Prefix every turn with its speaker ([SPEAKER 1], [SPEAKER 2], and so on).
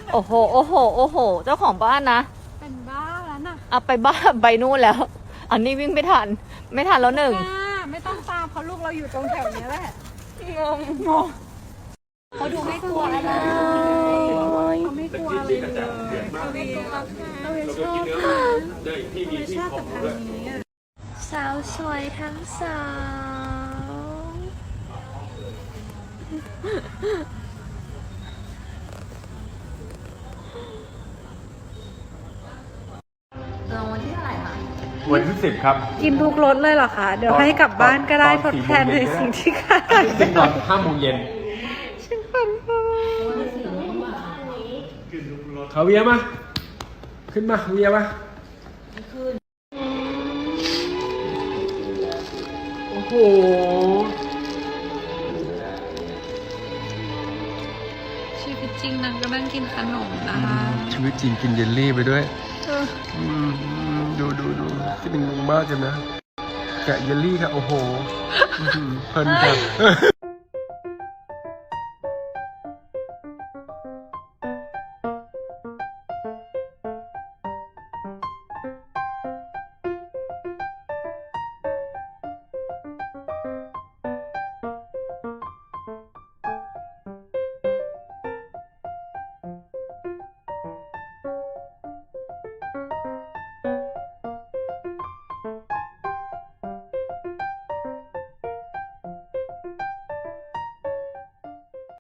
[SPEAKER 1] โอ้โหโอ้โหโอ้โหเจ้าของบ้านนะ
[SPEAKER 2] เป็นบ้าแล้วน่ะ
[SPEAKER 1] เอาไปบ้านไปนู่นแล้ว อันนี้วิ่งไม่ทันแล้วหนึ่ง
[SPEAKER 2] ไม่ต้องตามเพราะลูกเราอยู่ตรงแถวนี้แหละ
[SPEAKER 1] งง
[SPEAKER 2] เขาดูไม่กลัวอะไรเขาไม่กลัวอะไรเลยเขาไม่กลัวเราชอบเราชอบกับทางนี้อ่ะ
[SPEAKER 1] สาวสวยทั้งสอง รางวัลที่เท่าไหร่คะ
[SPEAKER 3] วันที่10ครับ
[SPEAKER 2] กินทุกรสเลยเหรอคะ เดี๋ยวให้กลับบ้านก็ได้ทดแทนในสิ่งที่ขาด
[SPEAKER 3] ซึ่งตอน5 โมงเย็น
[SPEAKER 2] ฉันฝันไป
[SPEAKER 3] เขาเวียมา ขึ้นมาเวียมาโอ้โห
[SPEAKER 2] ชีวิตจริงนางก็นั่งกินขนมนะคะ
[SPEAKER 3] ชีวิตจริงกินเยลลี่ไปด้วยดูคิดถึงลุงมากเลยนะ แกะเยลลี่ค่ะ โอ้โหเพลินจัง